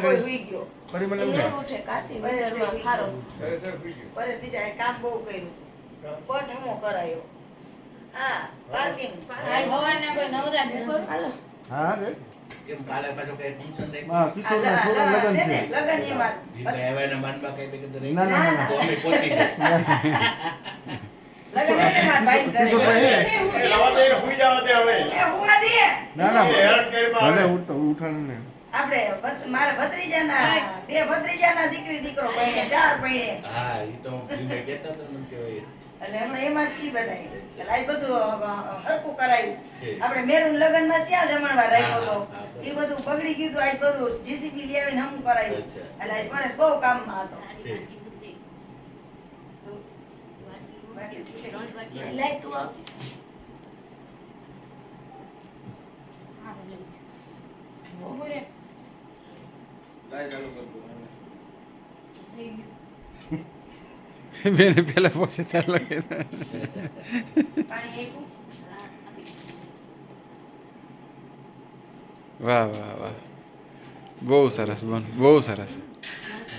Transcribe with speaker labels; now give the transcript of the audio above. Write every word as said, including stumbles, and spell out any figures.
Speaker 1: કોઈ હુઈ ગયો
Speaker 2: પરિમલ એમ
Speaker 3: એ
Speaker 2: કે
Speaker 3: ઉઠે કાચી વેદરમાં ખારો
Speaker 1: પરે બીજા એ કામ બહુ કર્યું પટ હમો કરાયો હા પાર્કિંગ
Speaker 3: આજ હવારના કોઈ નવરા નથી હાલો
Speaker 2: હા રે
Speaker 4: કેમ કાલે પાછો કઈ ફંક્શન દે
Speaker 2: હા કિશોરના છોકરા લગન છે
Speaker 1: લગન એમાં
Speaker 4: દીપા એવાના માનમાં કઈ કીધું નહીં
Speaker 2: ના ના ના
Speaker 4: તો અમે પહોંચી ગયા
Speaker 1: લગન એમાં ભાઈ કરે
Speaker 2: કિશોરભાઈ
Speaker 1: એ હુવા દે
Speaker 2: ના ના ભલે ઉઠ ઉઠાણ ને
Speaker 1: આપણે ભત- મારા ભત્રીજાના બે ભત્રીજાના દીકરી દીકરો પૈણે ચાર પૈણે
Speaker 4: હા ઈ તો દીપા કહેતા હતા મને કે હોય
Speaker 1: એટલે હમણાં એમાં જ છી બધાય એટલે આ બધું અ, હરખું કરાયું
Speaker 4: છે.
Speaker 1: આપણે મેરુન લગનમાં ક્યાં જમણવાર રાખ્યો
Speaker 4: હા,
Speaker 1: હતો
Speaker 4: હા, હા.
Speaker 1: એ બધું બગડી ગયું હતું આજ બધું જીસીબી લઈ આવીને હમું કરાયું
Speaker 4: અચ્છા.
Speaker 1: એટલે આજ મને બહુ કામમાં હતો
Speaker 4: છે.
Speaker 3: લાય તું આવતી બપોરે
Speaker 5: બેને પેલા પોસે ત્યાં લગે
Speaker 1: પાણી આપ્યું
Speaker 5: વાહ વાહ વાહ બહુ સરસ બોન બહુ સરસ